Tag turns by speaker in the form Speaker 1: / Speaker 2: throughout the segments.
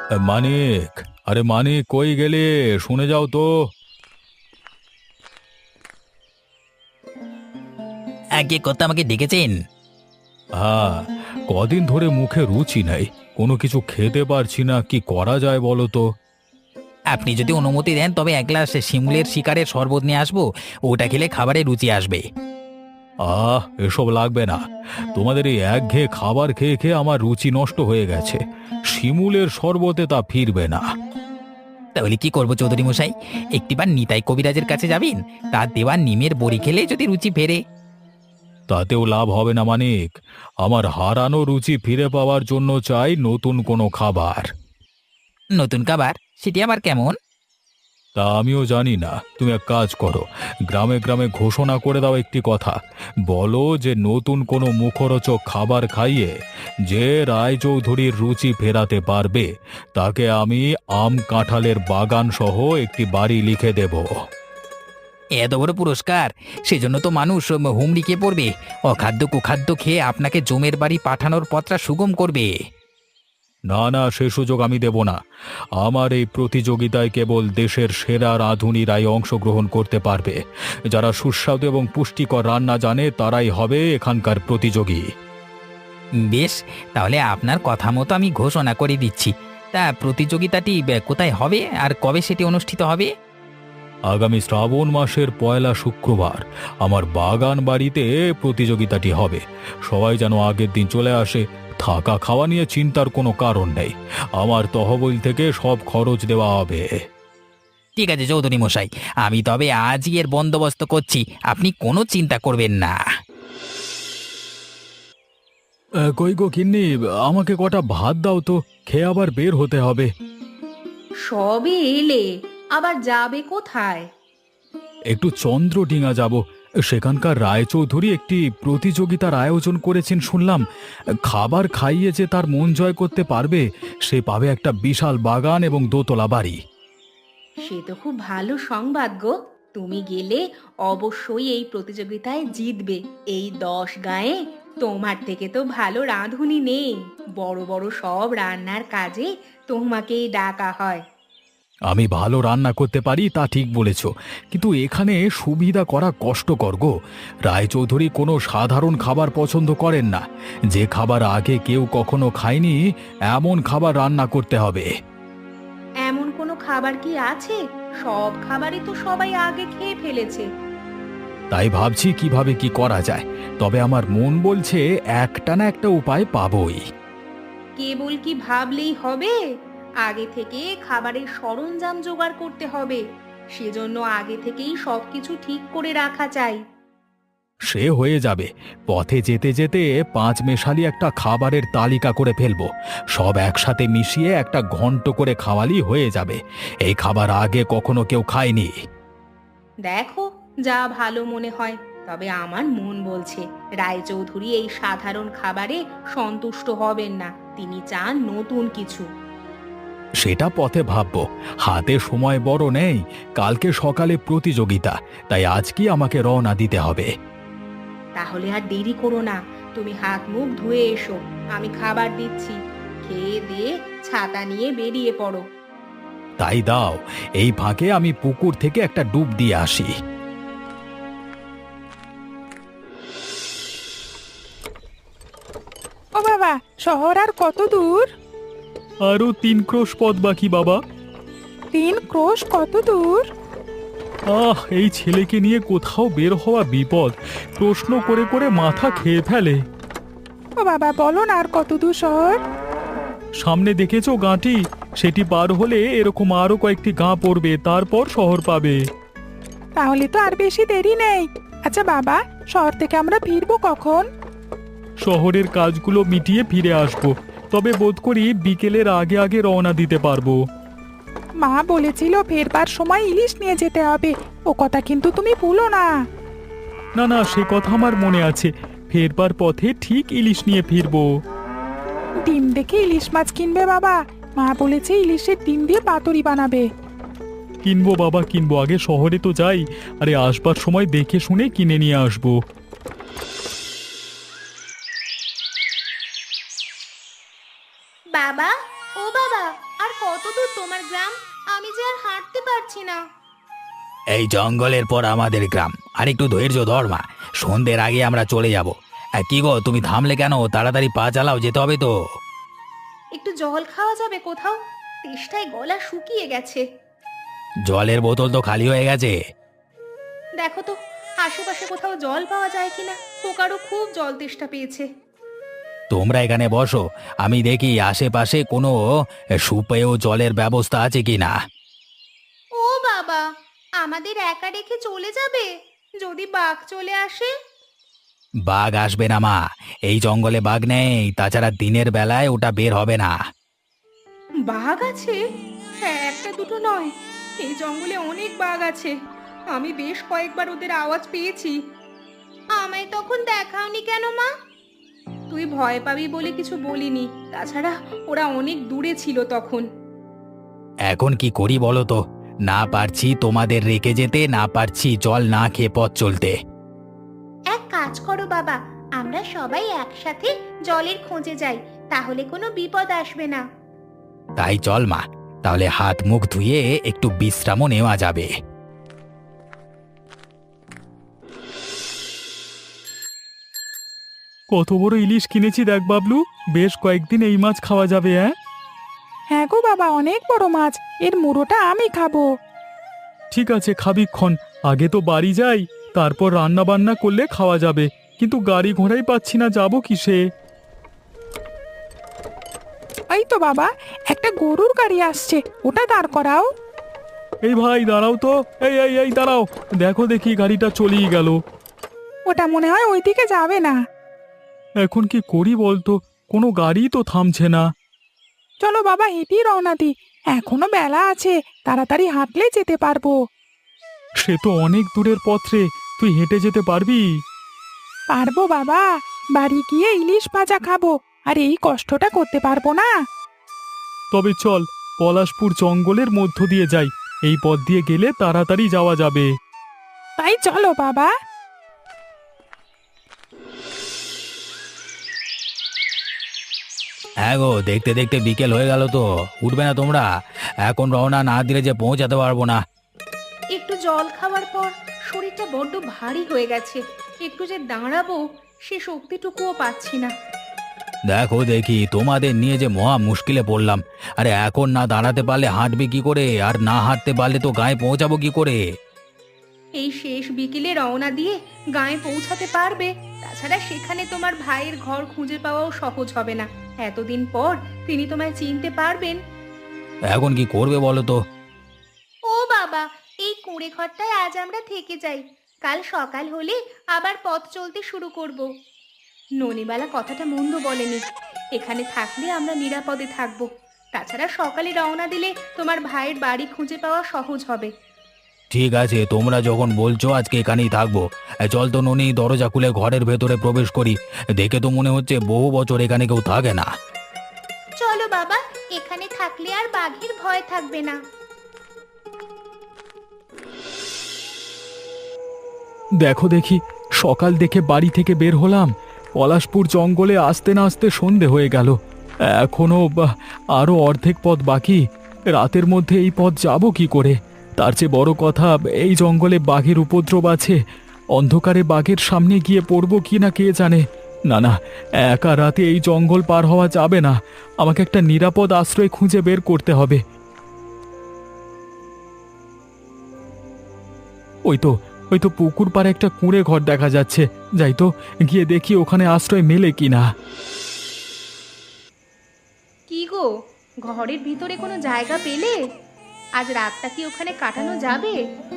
Speaker 1: মানিক, আরে মানিক কই গেলে? শুনে যাও তো।
Speaker 2: আগে কথা আমাকে ডেকেছেন?
Speaker 1: হ্যাঁ, কদিন ধরে মুখে রুচি নাই, কোনো কিছু খেতে পারছি না, কি করা যায় বলো তো?
Speaker 2: আপনি যদি অনুমতি দেন তবে এক গ্লাস শিমুলের শিকারের শরবত নিয়ে আসবো। ওটা খেলে খাবারে রুচি আসবে।
Speaker 1: এসব লাগবে না। তোমাদের এই একঘেয়ে খাবার খেয়ে খেয়ে আমার রুচি নষ্ট হয়ে গেছে। শিমুলের শরবতে তা ফিরবে না।
Speaker 2: তাহলে কি করবো চৌধুরী মশাই? একটিবার নিতাই কবিরাজের কাছে যাবেন, তার দেওয়া নিমের বড়ি খেলে যদি রুচি ফেরে।
Speaker 1: তাতেও লাভ হবে না মানিক। আমার হারানো রুচি ফিরে পাওয়ার জন্য চাই নতুন কোনো খাবার।
Speaker 2: নতুন খাবার? সেটি আবার কেমন?
Speaker 1: তা আমিও জানি না। তুমি এক কাজ করো, গ্রামে গ্রামে ঘোষণা করে দাও একটি কথা। বলো যে নতুন কোনো মুখরোচক খাবার খাইয়ে যে রায়চৌধুরীর রুচি ফেরাতে পারবে তাকে আমি আম কাঁঠালের বাগান সহ একটি বাড়ি লিখে দেব।
Speaker 2: এত বড় পুরস্কার! সেজন্য তো মানুষ হুমড়ি খেয়ে পড়বে। অখাদ্য কুখাদ্য খেয়ে আপনাকে জমের বাড়ি পাঠানোর পথটা সুগম করবে।
Speaker 1: না না, সে সুযোগ আমি দেব না। আমার এই প্রতিযোগিতায় কেবল দেশের সেরা রাঁধুনিরাই অংশগ্রহণ করতে পারবে। যারা সুস্বাদু এবং পুষ্টিকর রান্না জানে তারাই হবে এখানকার প্রতিযোগী।
Speaker 2: বেশ, তাহলে আপনার কথা মতো আমি ঘোষণা করে দিচ্ছি। তা প্রতিযোগিতাটি কোথায় হবে আর কবে সেটি অনুষ্ঠিত হবে?
Speaker 1: আগামী শ্রাবণ মাসের পয়লা শুক্রবার আমার বাগান বাড়িতে প্রতিযোগিতাটি হবে। সবাই যেন আগের দিন চলে আসে। থাকা খাওয়া নিয়ে চিন্তার কোনো কারণ নেই। আমার তহবিল থেকে সব খরচ দেওয়া হবে।
Speaker 2: ঠিক আছে চৌধুরী মশাই, আমি তবে আজই এর বন্দোবস্ত করছি, আপনি কোনো চিন্তা করবেন না।
Speaker 1: কই গো গিন্নি, আমাকে কটা ভাত দাও তো, খেয়ে আবার বের হতে হবে।
Speaker 3: সবে এলে, আবার যাবে কোথায়?
Speaker 1: একটু চন্দ্রডিঙা যাব। সেখানকার রায়চৌধুরী একটি প্রতিযোগিতার আয়োজন করেছেন শুনলাম। খাবার খাইয়ে যে তার মন জয় করতে পারবে সে পাবে একটা বিশাল বাগান এবং দোতলা বাড়ি।
Speaker 3: সে তো খুব ভালো সংবাদ গো। তুমি গেলে অবশ্যই এই প্রতিযোগিতায় জিতবে। এই 10 গাঁয়ে তোমার থেকে তো ভালো রাঁধুনি নেই। বড় বড় সব রান্নার কাজে তোমাকেই ডাকা হয়।
Speaker 1: আমি ভালো রান্না করতে পারি তা ঠিক বলেছ, কিন্তু এখানে সুবিধা করা কষ্টকর গো। রায়চৌধুরী কোনো সাধারণ খাবার পছন্দ করেন না। যে খাবার আগে কেউ কখনো খায়নি এমন খাবার রান্না করতে হবে।
Speaker 3: এমন কোনো খাবার কি আছে? সব খাবারই তো সবাই আগে খেয়ে ফেলেছে।
Speaker 1: তাই ভাবছি কিভাবে কি করা যায়। তবে আমার মন বলছে একটা না একটা উপায় পাবই।
Speaker 3: কেবল কি ভাবলেই হবে? আগে থেকে খাবারের সরঞ্জাম জোগাড় করতে হবে। সেজন্য আগে থেকেই সবকিছু ঠিক করে রাখা চাই।
Speaker 1: সে হয়ে যাবে। পথে যেতে যেতে পাঁচ মেশালি একটা খাবারের তালিকা করে ফেলবো। সব একসাথে মিশিয়ে একটা ঘন্ট করে খাওয়ালি হয়ে যাবে। এই খাবার আগে কখনো কেউ খায়নি।
Speaker 3: দেখো, যা ভালো মনে হয়। তবে আমার মন বলছে রায়চৌধুরী এই সাধারণ খাবারে সন্তুষ্ট হবেন না। তিনি চান নতুন কিছু।
Speaker 1: সেটা পথে ভাববো। হাতে সময় বড় নেই। কালকে সকালে প্রতিযোগিতা, তাই আজকে আমাকে রওনা দিতে হবে।
Speaker 3: তাহলে আর দেরি করো না, তুমি হাত মুখ ধুয়ে এসো। আমি খাবার দিচ্ছি। খেয়ে দিয়ে ছাতা নিয়ে বেরিয়ে পড়ো।
Speaker 1: তাই দাও, এই ফাঁকে আমি পুকুর থেকে একটা ডুব দিয়ে আসি।
Speaker 4: ও বাবা, শহর আর কত দূর?
Speaker 1: আরো 3 ক্রোশ পথ বাকি বাবা।
Speaker 4: 3 ক্রোশ কত দূর?
Speaker 1: এই ছেলেকে নিয়ে কোথাও বের হওয়া বিপদ। প্রশ্ন করে করে মাথা খেয়ে ফেলে।
Speaker 4: ও বাবা, বলো না আর কত দূর শহর?
Speaker 1: সামনে দেখেছো গাঁটি? সেটি পার হলে এরকম আরো কয়েকটি গাঁ পড়বে, তারপর শহর পাবে।
Speaker 4: তাহলে তো আর বেশি দেরি নেই। আচ্ছা বাবা, শহর থেকে আমরা ফিরবো কখন?
Speaker 1: শহরের কাজগুলো মিটিয়ে ফিরে আসবো। তবে বোধ করি বিকেলের আগে আগে রওনা দিতে পারবো।
Speaker 4: মা বলেছিল ফেরবার সময় ইলিশ নিয়ে যেতে হবে। ও কথা কিন্তু তুমি ভুলো না।
Speaker 1: না না, সে কথা আমার মনে আছে। ফেরবার পথে ঠিক ইলিশ নিয়ে ফিরবো।
Speaker 4: ডিম দেখে ইলিশ মাছ কিনবে বাবা। মা বলেছে ইলিশের ডিম দিয়ে পাতুরি বানাবে।
Speaker 1: কিনবো বাবা, কিনবো। আগে শহরে তো যাই। আরে আসবার সময় দেখে শুনে কিনে নিয়ে আসবো।
Speaker 3: বাবা, ও বাবা, আর আর কত দূর তোমার গ্রাম? আমি যে আর হাঁটতে পারছি না।
Speaker 2: এই জঙ্গলের পর আমাদের গ্রাম, আর একটু ধৈর্য ধর মা, সন্ধ্যের আগে আমরা চলে যাব। কি গো, তুমি থামলে কেন? তাড়াতাড়ি পা চালাও, যেতে হবে তো।
Speaker 3: একটু জল খাওয়া যাবে কোথাও? তেষ্টায় গলা শুকিয়ে গেছে।
Speaker 2: জলের বোতল তো খালি হয়ে গেছে।
Speaker 3: দেখো তো আশেপাশে কোথাও জল পাওয়া যায় কিনা। পোকারও খুব জল তেষ্টা পেয়েছে।
Speaker 2: তোমরা এখানে বসো, আমি দেখি আশেপাশে কোনো সুপেয় জলের ব্যবস্থা আছে কিনা।
Speaker 3: ও বাবা, আমাদের একা রেখে চলে যাবে? যদি বাঘ চলে আসে?
Speaker 2: বাঘ আসবে না মা, এই জঙ্গলে বাঘ নেই, তাছাড়া দিনের বেলায় ওটা বের হবে না।
Speaker 3: বাঘ আছে? হ্যাঁ, একটা দুটো নয়, এই জঙ্গলে অনেক বাঘ আছে। আমি বেশ কয়েকবার ওদের আওয়াজ পেয়েছি। আমায় তখন দেখাওনি কেন মা? তুই ভয় পাবি বলে কিছু বলিনি, তাছাড়া ওরা অনেক দূরে ছিল তখন।
Speaker 2: এখন কি করি বলো তো? না পারছি তোমাদের রেখে যেতে, না পারছি জল না খেয়ে পথ চলতে।
Speaker 3: এক কাজ করো বাবা, আমরা সবাই একসাথে জলের খোঁজে যাই, তাহলে কোনো বিপদ আসবে না।
Speaker 2: তাই চল মা, তাহলে হাত মুখ ধুয়ে একটু বিশ্রামও নেওয়া যাবে।
Speaker 1: কত বড় ইলিশ কিনেছি দেখ বাবলু, বেশ কয়েকদিন এই মাছ খাওয়া যাবে।
Speaker 4: হ্যাঁ গো বাবা, অনেক বড় মাছ, এর মুড়োটা আমি খাবো।
Speaker 1: ঠিক আছে, খাবিক্ষণ, আগে তো বাড়ি যাই, তারপর রান্না বান্না করলে খাওয়া যাবে। কিন্তু গাড়ি ঘোড়াই পাচ্ছি না, যাবো কিসে?
Speaker 4: এই তো বাবা, একটা গরুর গাড়ি আসছে, ওটা দাঁড় করাও।
Speaker 1: এই ভাই দাঁড়াও তো, এই এই এই দাঁড়াও, দেখো দেখি গাড়িটা চলেই গেল।
Speaker 4: ওটা মনে হয় ওইদিকে যাবে না।
Speaker 1: এখন কি করি বলতো, কোনো গাড়ি তো থামছে না।
Speaker 4: চলো বাবা, হেঁটেই রওনা দি, এখনো বেলা আছে, তাড়াতাড়ি হাঁটলে যেতে পারবো।
Speaker 1: সে তো অনেক দূরের পথ রে, তুই হেঁটে যেতে পারবি?
Speaker 4: পারবো বাবা, বাড়ি গিয়ে ইলিশ ভাজা খাবো, আর এই কষ্টটা করতে পারবো না।
Speaker 1: তবে চল, পলাশপুর জঙ্গলের মধ্য দিয়ে যাই, এই পথ দিয়ে গেলে তাড়াতাড়ি যাওয়া যাবে।
Speaker 4: তাই চলো বাবা।
Speaker 2: হ্যাঁ গো, দেখতে দেখতে বিকেল হয়ে গেল তো, উঠবে না তোমরা? এখন রওনা না দিলে যে পৌঁছাতে পারবো না।
Speaker 3: একটু জল খাওয়ার পর শরীরটা বড্ড ভারী হয়ে গেছে। একটু যে দাঁড়াবো সে শক্তিটুকুও পাচ্ছি না।
Speaker 2: দেখো দেখি, তোমাদের নিয়ে যে মহা মুশকিলে পড়লাম। আরে এখন না দাঁড়াতে পারলে হাঁটবে কি করে, আর না হাঁটতে পারলে তো গায়ে পৌঁছাবো কি করে?
Speaker 3: এই শেষ বিকেলে রওনা দিয়ে গায়ে পৌঁছাতে পারবে? তাছাড়া সেখানে তোমার ভাইয়ের ঘর খুঁজে পাওয়াও সহজ হবে না। এতদিন পর তিনি তোমায় চিনতে পারবেন?
Speaker 2: এখন কি করবে বলো তো?
Speaker 3: ও বাবা, এই কুঁড়ে ঘরটায় আজ আমরা থেকে যাই, কাল সকাল হলে আবার পথ চলতে শুরু করব। ননিবালা কথাটা মন্দ বলেনি, এখানে থাকলে আমরা নিরাপদে থাকবো। তাছাড়া সকালে রওনা দিলে তোমার ভাইয়ের বাড়ি খুঁজে পাওয়া সহজ হবে।
Speaker 2: ঠিক আছে, তোমরা যখন বলছো আজকে এখানেই থাকবো। চল তো ননি, দরজা খুলে ঘরের ভেতরে প্রবেশ করি। দেখে তো মনে হচ্ছে বহু বছর এখানে কেউ থাকে না।
Speaker 3: চলো বাবা, এখানে থাকলে আর বাঘের ভয় থাকবে না।
Speaker 1: দেখো দেখি, সকাল দেখে বাড়ি থেকে বের হলাম, পলাশপুর জঙ্গলে আসতে না আসতে সন্ধে হয়ে গেল। এখনো আরো অর্ধেক পথ বাকি। রাতের মধ্যে এই পথ যাব কি করে? তার চেয়ে বড় কথা, এই জঙ্গলে বাঘের উপদ্রব আছে। অন্ধকারে বাঘের সামনে গিয়ে পড়ব কি না কে জানে। না না, একা রাতে এই জঙ্গল পার হওয়া যাবে না, আমাকে একটা নিরাপদ আশ্রয় খুঁজে বের করতে হবে। ওই তো পুকুর পাড়ে একটা কুঁড়ে ঘর দেখা যাচ্ছে, যাই তো, গিয়ে দেখি ওখানে আশ্রয় মেলে কিনা।
Speaker 3: কি গো, ঘরের ভিতরে কোনো জায়গা পেলে? আজ রাতটা কি ওখানে কাটানো যাবে?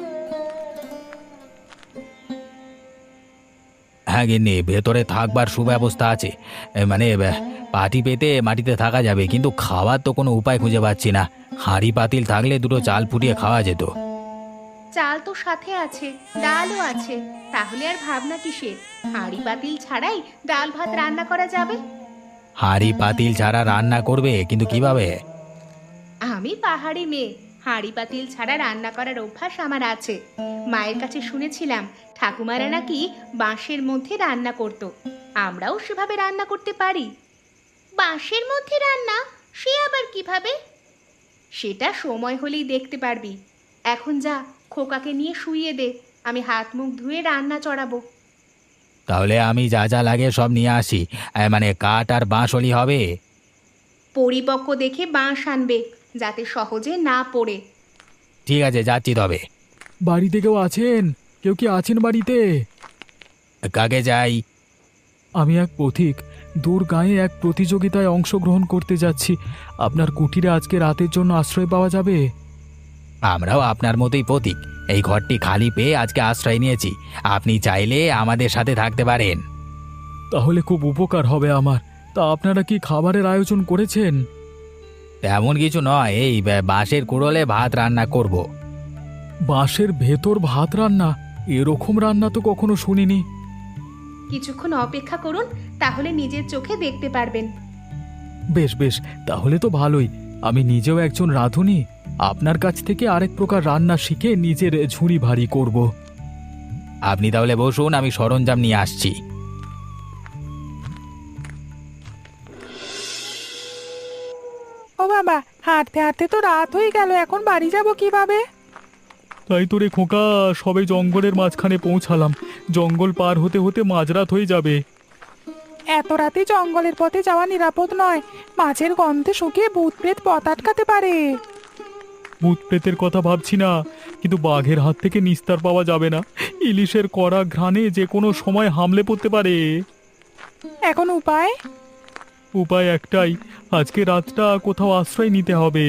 Speaker 2: হ্যাঁ গিন্নি, ভেতরে থাকবার সুব্যবস্থা আছে। মানে পাটি পেতে মাটিতে থাকা যাবে, কিন্তু খাওয়ার তো কোনো উপায় খুঁজে পাচ্ছি না। হাঁড়ি পাতিল থাকলে দুটো চাল ফুটিয়ে খাওয়া যেত।
Speaker 3: চাল তো সাথে আছে, ডালও আছে, তাহলে আর ভাবনা কিসের? হাঁড়ি পাতিল ছাড়াই ডাল ভাত রান্না করা যাবে।
Speaker 2: হাঁড়ি পাতিল ছাড়া রান্না করবে, কিন্তু কিভাবে?
Speaker 3: আমি পাহাড়ি মেয়ে, হাঁড়ি পাতিল ছাড়া রান্না করার অভ্যাস আমার আছে। মায়ের কাছে শুনেছিলাম ঠাকুমারা নাকি বাঁশের মধ্যে রান্না করত। আমরাও সেভাবে রান্না করতে পারি। বাঁশের মধ্যে রান্না? সে আবার কিভাবে? সেটা সময় হলেই দেখতে পারবি। এখন যা, খোকাকে নিয়ে শুইয়ে দে, আমি হাত মুখ ধুয়ে রান্না চড়াবো।
Speaker 2: তাহলে আমি যা যা লাগে সব নিয়ে আসি, মানে কাঠ আর বাঁশলি হবে।
Speaker 3: পরিপক্ক দেখে বাঁশ আনবে, যাতে সহজে না পড়ে।
Speaker 2: ঠিক আছে, যাচ্ছি তবে।
Speaker 1: বাড়িতে কেউ আছেন? কেউ কি আছেন বাড়িতে?
Speaker 2: কাকে যাই?
Speaker 1: আমি এক পথিক, দূর গাঁয়ে এক প্রতিযোগিতায় অংশগ্রহণ করতে যাচ্ছি। আপনার কুটিরে আজকে রাতের জন্য আশ্রয় পাওয়া যাবে?
Speaker 2: আমরাও আপনার মতোই পথিক, এই ঘরটি খালি পেয়ে আজকে আশ্রয় নিয়েছি। আপনি চাইলে আমাদের সাথে থাকতে পারেন।
Speaker 1: তাহলে খুব উপকার হবে আমার। তা আপনারা কি খাবারের আয়োজন করেছেন?
Speaker 2: তেমন কিছু নয়, এই বাঁশের কুড়োলে ভাত রান্না করব।
Speaker 1: বাঁশের ভেতর ভাত রান্না? এরকম রান্না তো কখনো শুনিনি।
Speaker 3: কিছুক্ষণ অপেক্ষা করুন, তাহলে নিজের চোখে দেখতে পারবেন।
Speaker 1: বেশ বেশ, তাহলে তো ভালোই। আমি নিজেও একজন রাঁধুনি, আপনার কাছ থেকে আরেক প্রকার রান্না শিখে নিজের ঝুড়ি ভারী করব।
Speaker 2: আপনি তাহলে বসুন, আমি সরঞ্জাম নিয়ে আসছি।
Speaker 4: ও বাবা, হাঁটতে হাঁটতে তো রাত হয়ে গেল, এখন বাড়ি যাব কিভাবে?
Speaker 1: তাই তো রে খোকা, সবে জঙ্গলের মাঝখানে পৌঁছালাম। জঙ্গল পার হতে হতে মাঝরাত হয়ে যাবে।
Speaker 4: এত রাতে জঙ্গলের পথে যাওয়া নিরাপদ নয়, মাছের গন্ধে শুকিয়ে ভূত প্রেত পথ আটকাতে পারে।
Speaker 1: ভূত প্রেতের কথা ভাবছি না, কিন্তু বাঘের হাত থেকে নিস্তার পাওয়া যাবে না। ইলিশের কড়া ঘ্রাণে যে কোনো সময় হামলে পড়তে পারে।
Speaker 4: এখন উপায়?
Speaker 1: উপায় একটাই, আজকে রাতটা কোথাও আশ্রয় নিতে হবে।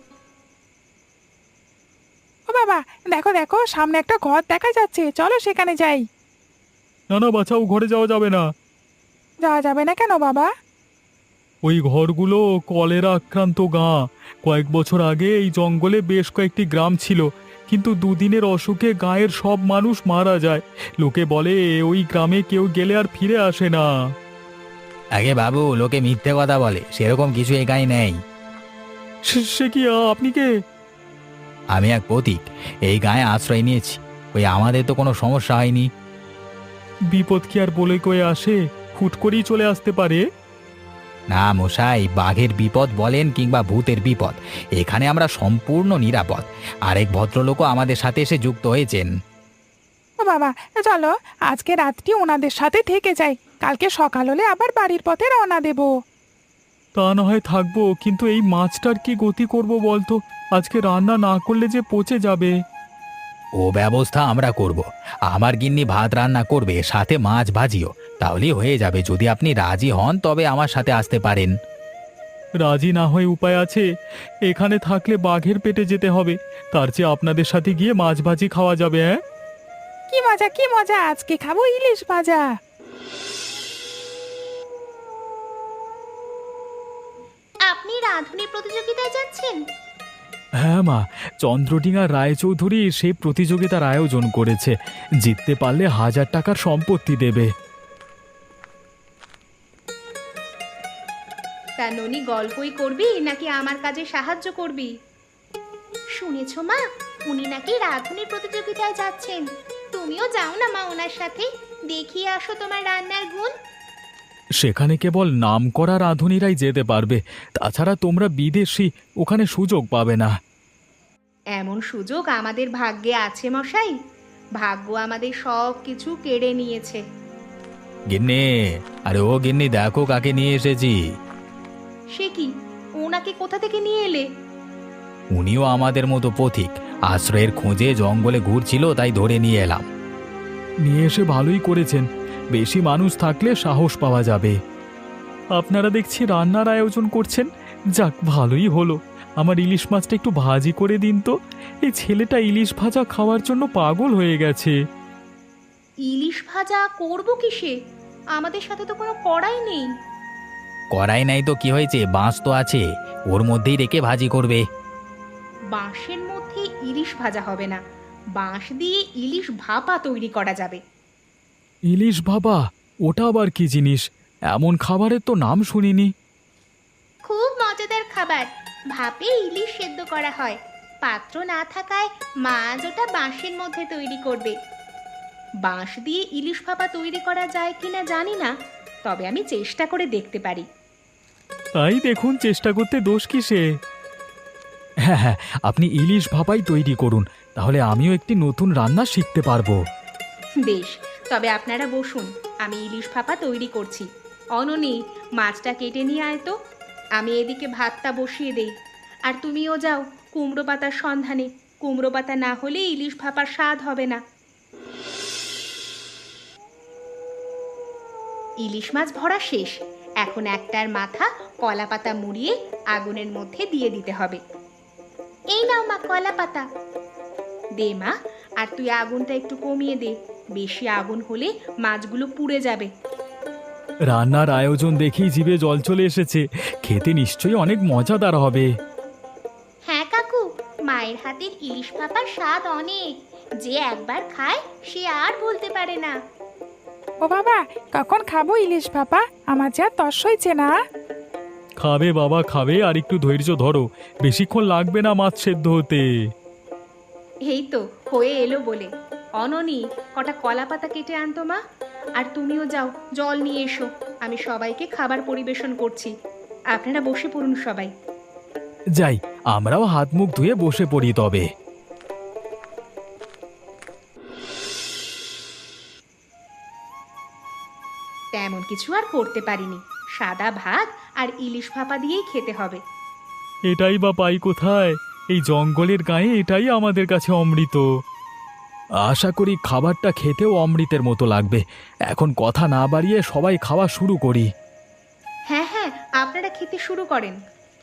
Speaker 4: ও বাবা, দেখো দেখো, সামনে একটা ঘর দেখা যাচ্ছে, চলো সেখানে যাই।
Speaker 1: না না বাছাও, ঘরে যাওয়া যাবে না।
Speaker 4: যাওয়া যাবে না কেন বাবা?
Speaker 1: ওই ঘরগুলো কলেরা আক্রান্ত গাঁ। কয়েক বছর আগে এই জঙ্গলে বেশ কয়েকটি গ্রাম ছিল, কিন্তু দুদিনের অসুখে গাঁয়ের সব মানুষ মারা যায়। লোকে বলে ওই গ্রামে কেউ গেলে আর ফিরে আসে না।
Speaker 2: আগে বাবু, লোকে মিথ্যে কথা বলে, সেরকম কিছু এই গায়ে নেই।
Speaker 1: সে কি আপনি কে?
Speaker 2: আমি এক পথিক, এই গায়ে আশ্রয় নিয়েছি। ওই আমাদের তো কোনো সমস্যা হয়নি।
Speaker 1: বিপদ কি আর বলে কয়ে আসে? হুট করেই চলে আসতে পারে।
Speaker 2: না মশাই, বাঘের বিপদ বলেন কিংবা ভূতের বিপদ, এখানে আমরা সম্পূর্ণ নিরাপদ। আরেক ভদ্রলোকও আমাদের সাথে এসে যুক্ত হয়েছেন।
Speaker 4: ও বাবা, চলো আজকে রাতটি ওনাদের সাথে থেকে যাই, কালকে সকাল হলে আবার বাড়ির পথে রওনা দেব।
Speaker 1: তা না হয় থাকবো, কিন্তু এই মাছটার কি গতি করব বলতো? আজকে রান্না না করলে যে পচে যাবে।
Speaker 2: ও ব্যবস্থা আমরা করব। আমার গিন্নি ভাত রান্না করবে, সাথে মাছ ভাজিও, তাহলেই হয়ে যাবে। যদি আপনি রাজি হন তবে আমার সাথে আসতে পারেন।
Speaker 1: রাজি না হয়ে উপায় আছে? এখানে থাকলে বাঘের পেটে যেতে হবে, তার চেয়ে আপনাদের সাথে গিয়ে মাছ ভাজি খাওয়া যাবে। হ্যাঁ,
Speaker 4: কি মজা কি মজা, আজকে খাবো ইলিশ ভাজা।
Speaker 3: আপনি রাঁধুনি প্রতিযোগিতায় যাচ্ছেন?
Speaker 1: হ্যাঁ মা, চন্দ্রডিঙা রায়চৌধুরী সে প্রতিযোগিতার আয়োজন করেছে। জিততে পারলে 1000 টাকার সম্পত্তি দেবে।
Speaker 3: তা ননি, গল্পই করবি নাকি আমার কাজে সাহায্য করবি? শুনেছো মা, উনি নাকি রাঁধুনি প্রতিযোগিতায় যাচ্ছেন। তুমিও যাও না মা ওনার সাথে, দেখিয়ে আসো তোমার রান্নার গুণ।
Speaker 1: সেখানে কেবল নামকরা রাঁধুনিরাই যেতে পারবে, তাছাড়া তোমরা বিদেশি, ওখানে সুযোগ পাবে না।
Speaker 3: এমন সুযোগ আমাদের ভাগ্যে আছে মশাই, ভাগ্য আমাদের সব কিছু কেড়ে নিয়েছে।
Speaker 2: গিন্নি, আরে ও গিন্নি, দেখো কাকে নিয়ে এসেছি।
Speaker 3: সে কি, ওনাকে কোথা থেকে নিয়ে এলে?
Speaker 2: উনিও আমাদের মতো পথিক, আশ্রয়ের খোঁজে জঙ্গলে ঘুরছিল, তাই ধরে নিয়ে এলাম।
Speaker 1: নিয়ে এসে ভালোই করেছেন, বেশি মানুষ থাকলে সাহস পাওয়া যাবে। আপনারা দেখছি রান্নার আয়োজন করছেন, যাক ভালোই হলো। আমার ইলিশ মাছটা একটু ভাজি করে দিন তো। এই ছেলেটা ইলিশ ভাজা খাওয়ার জন্য পাগল হয়ে গেছে।
Speaker 3: ইলিশ ভাজা করব কিসে? আমাদের সাথে তো কোনো কড়াই নেই।
Speaker 2: কড়াই নাই তো কি হয়েছে, বাঁশ তো আছে, ওর মধ্যেই রেখে ভাজি করবে।
Speaker 3: বাঁশের মধ্যে ইলিশ ভাজা হবে না, বাঁশ দিয়ে ইলিশ ভাপা তৈরি করা যাবে।
Speaker 1: ইলিশ বাবা, ওটা আবার কি জিনিস? এমন খাবারের তো নাম শুনিনি।
Speaker 3: খুব মজাদার খাবার, ভাপে ইলিশ সেদ্ধ করা হয়। পাত্র না থাকায় মা আজ ওটা বাঁশের মধ্যে তৈরি করবে। বাঁশ দিয়ে ইলিশ ভাপা তৈরি করা যায় কিনা জানি না, তবে আমি চেষ্টা করে দেখতে পারি।
Speaker 1: তাই দেখুন, চেষ্টা করতে দোষ কিসে? হ্যাঁ হ্যাঁ, আপনি ইলিশ ভাপাই তৈরি করুন, তাহলে আমিও একটি নতুন রান্না শিখতে পারবো।
Speaker 3: বেশ, তবে আপনারা বসুন, আমি ইলিশ ভাপা তৈরি করছি। অননি, মাছটা কেটে নিয়ে আয় তো। আমি এদিকে ভাতটা বসিয়ে দেই। আর তুমিও যাও কুমড়ো পাতার সন্ধানে। কুমড়ো পাতা না হলে ইলিশ ভাপার স্বাদ হবে না। ইলিশ মাছ ভরা শেষ। এখন একটার মাথা কলা পাতা মুড়িয়ে আগুনের মধ্যে দিয়ে দিতে হবে। এই নাও মা কলা পাতা। দে মা, আর তুই আগুনটা একটু কমিয়ে দে, বেশি আগুন হলে মাছগুলো পুড়ে যাবে।
Speaker 1: রান্নার আয়োজন দেখেই জিভে জল চলে এসেছে, খেতে নিশ্চয়ই অনেক মজাদার হবে।
Speaker 3: হ্যাঁ কাকু, মায়ের হাতের ইলিশ ভাপার স্বাদ অনেক, যে একবার খায় সে আর বলতে পারে না।
Speaker 4: ও বাবা, কখন খাবো ইলিশ ভাপা? আমার যা তস হয়েছে না।
Speaker 1: খাবে বাবা খাবে, আর একটু ধৈর্য ধরো, বেশিক্ষণ লাগবে না মাছ সেদ্ধ হতে।
Speaker 3: এই তো হয়ে এলো বলে। অননি, কটা কলা পাতা কেটে আনতো মা। আর তুমিও যাও, জল নিয়ে এসো। আমি সবাইকে খাবার পরিবেশন করছি। আপনারা বসে পড়ুন সবাই।
Speaker 1: যাই, আমরাও হাত মুখ ধুয়ে বসে পড়ি তবে।
Speaker 3: তেমন কিছু আর করতে পারিনি, সাদা ভাত আর ইলিশ ভাপা দিয়েই খেতে হবে।
Speaker 1: এটাই বা পাই কোথায়? এই জঙ্গলের গায়ে এটাই আমাদের কাছে অমৃত। আশা করি খাবারটা খেতেও অমৃতের মতো লাগবে। এখন কথা না বাড়িয়ে সবাই খাওয়া শুরু করি।
Speaker 3: হ্যাঁ হ্যাঁ, আপনারা খেতে শুরু করেন।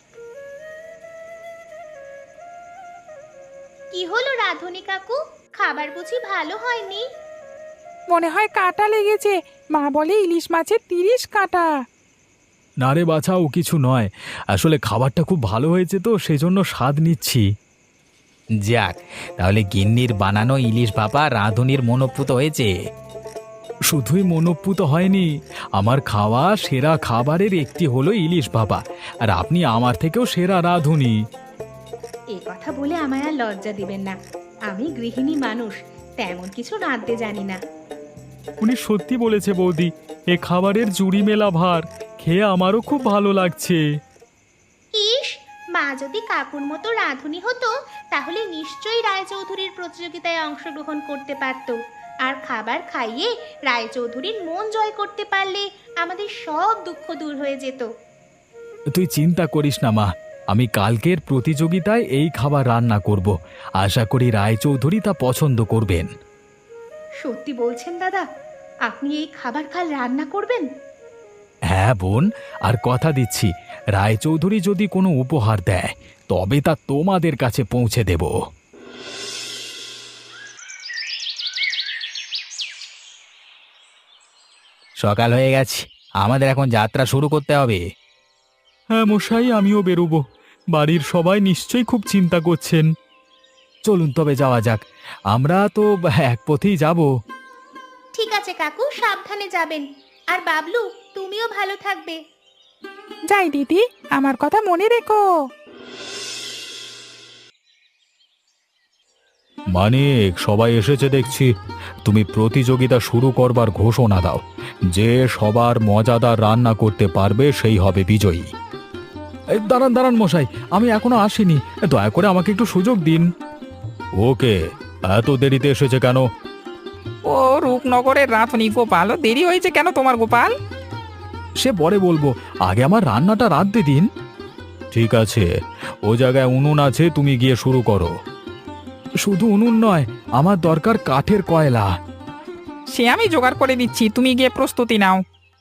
Speaker 3: কি হলো রাধুনি কাকু, খাবার বুঝি ভালো হয়নি?
Speaker 4: মনে হয় কাঁটা লেগেছে। মা বলে ইলিশ মাছের 30 কাঁটা।
Speaker 1: না রে বাছা, ও কিছু নয়, আসলে খাবারটা খুব ভালো হয়েছে তো সেজন্য স্বাদ নিচ্ছি।
Speaker 2: যাক, তাহলে গিন্নির বানানো ইলিশ ভাপা রাঁধুনির মনোপুত হয়েছে।
Speaker 1: শুধুই মনোপুত হয়নি, আমার খাওয়া সেরা খাবারের একটি হলো ইলিশ ভাপা, আর আপনি আমার থেকেও সেরা রাঁধুনি।
Speaker 3: এ কথা বলে আমায় আর লজ্জা দিবেন না। আমি গৃহিণী মানুষ, তেমন কিছু রাঁধতে জানি না।
Speaker 1: উনি সত্যি বলেছে বৌদি, এ খাবারের জুড়ি মেলা ভার, খেয়ে আমারও খুব ভালো লাগছে।
Speaker 3: ইস, মা যদি কাকুর মতো রাঁধুনি হতো তাহলে নিশ্চয়ই রায়চৌধুরীর প্রতিযোগিতায় অংশগ্রহণ করতে পারত। আর খাবার খাইয়ে রায়চৌধুরীর মন জয় করতে পারলে আমাদের সব দুঃখ দূর হয়ে যেত।
Speaker 1: তুই চিন্তা করিস না মা, আমি কালকের প্রতিযোগিতায় এই খাবার রান্না করব। আশা করি রায়চৌধুরী তা পছন্দ করবেন।
Speaker 3: সত্যি বলছেন দাদা? আপনি এই খাবার কাল রান্না করবেন?
Speaker 1: হ্যাঁ বোন, আর কথা দিচ্ছি, রায়চৌধুরী যদি কোনো উপহার দেয় তবে তা তোমাদের কাছে পৌঁছে দেব।
Speaker 2: সকাল হয়ে গেছে, আমাদের এখন যাত্রা শুরু করতে হবে।
Speaker 1: হ্যাঁ মশাই, আমিও বেরোবো। বাড়ির সবাই নিশ্চয়ই খুব চিন্তা করছেন। চলুন তবে যাওয়া যাক, আমরা তো এক পথেই যাব।
Speaker 3: ঠিক আছে কাকু, সাবধানে যাবেন। আর বাবলু, তুমিও ভালো থাকবে।
Speaker 4: যাই দিদি, আমার কথা মনে রেখো।
Speaker 1: মানিক, সবাই এসেছে দেখছি। তুমি প্রতিযোগিতা শুরু করবার ঘোষণা দাও। যে সবার মজাদার রান্না করতে পারবে সেই হবে বিজয়ী। দাঁড়ান দাঁড়ান মশাই, আমি এখনো আসিনি, দয়া করে আমাকে একটু সুযোগ দিন। ওকে, এত দেরিতে এসেছে কেন?
Speaker 4: ও রূপনগরের রাঁধুনি গোপাল, দেরি হয়েছে কেন তোমার গোপাল?
Speaker 1: সে পরে বলবো, আগে আমার রান্নাটা রাঁধতে দিন। ঠিক আছে, ও জায়গায় উনুন আছে, তুমি গিয়ে শুরু করো। শুধু উনুন নয়, আমার দরকার কাঠের কয়লা।
Speaker 4: সে আমি জোগাড় করে দিচ্ছি, তুমি গিয়ে প্রস্তুতি নাও।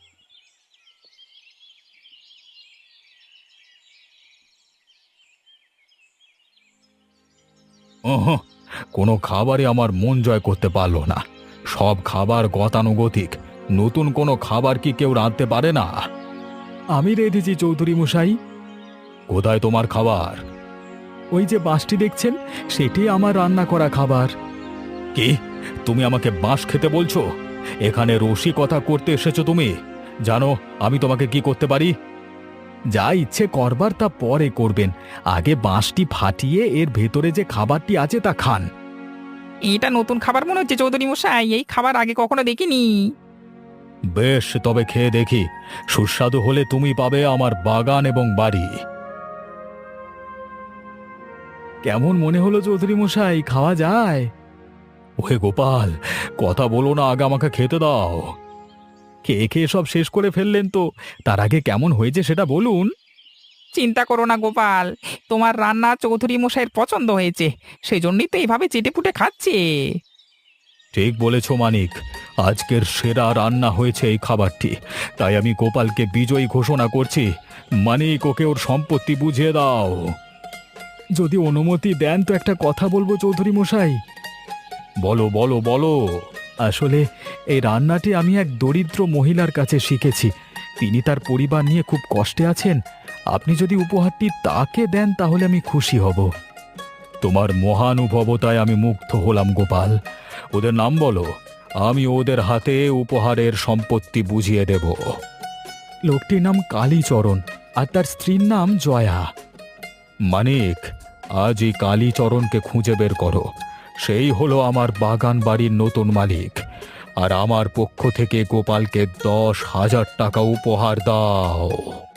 Speaker 1: কোনো খাবারই আমার মন জয় করতে পারলো না। সব খাবার গতানুগতিক। নতুন কোনো খাবার কি কেউ রাঁধতে পারে না? আমি রেঁধেছি চৌধুরী মশাই। কোথায় তোমার খাবার? ওই যে বাঁশটি দেখছেন, সেটি আমার রান্না করা খাবার। কি, তুমি আমাকে বাঁশ খেতে বলছো? এখানে রসিকতা করতে এসেছো তুমি? জানো আমি তোমাকে কি করতে পারি? যা ইচ্ছে করবার তা পরে করবেন, আগে বাঁশটি ফাটিয়ে এর ভেতরে যে খাবারটি আছে তা খান।
Speaker 4: এটা নতুন খাবার মনে হচ্ছে চৌধুরী মশাই, এই খাবার আগে কখনো দেখিনি।
Speaker 1: বেশ, তবে খেয়ে দেখি। সুস্বাদু হলে তুমি পাবে আমার বাগান এবং বাড়ি। কেমন মনে হলো চৌধুরী মশাই, খাওয়া যায়? ওহে গোপাল, কথা বলো না, আগে আমাকে খেতে দাও। খেয়ে খেয়ে সব শেষ করে ফেললেন তো, তার আগে কেমন হয়েছে সেটা বলুন।
Speaker 4: চিন্তা করো না গোপাল, তোমার রান্না চৌধুরী মশাইয়ের পছন্দ হয়েছে, সেই জন্যই তো এইভাবে চেটেপুটে খাচ্ছে।
Speaker 1: ঠিক বলেছ মানিক, আজকের সেরা রান্না হয়েছে এই খাবারটি, তাই আমি গোপালকে বিজয়ী ঘোষণা করছি। মানিক, ওকে ওর সম্পত্তি বুঝিয়ে দাও। যদি অনুমতি দেন তো একটা কথা বলবো চৌধুরী মশাই। বলো বলো বলো। আসলে এই রান্নাটি আমি এক দরিদ্র মহিলার কাছে শিখেছি, তিনি তার পরিবার নিয়ে খুব কষ্টে আছেন। আপনি যদি উপহারটি তাকে দেন তাহলে আমি খুশি হব। তোমার মহানুভবতায় আমি মুগ্ধ হলাম গোপাল। ওদের নাম বলো, আমি ওদের হাতে উপহারের সম্পত্তি বুঝিয়ে দেব। লোকটির নাম কালীচরণ, আর তার স্ত্রীর নাম জয়া। মানিক, আজ এই কালীচরণকে খুঁজে বের করো, সেই হলো আমার বাগান বাড়ির নতুন মালিক। আর আমার পক্ষ থেকে গোপালকে 10,000 টাকা উপহার দাও।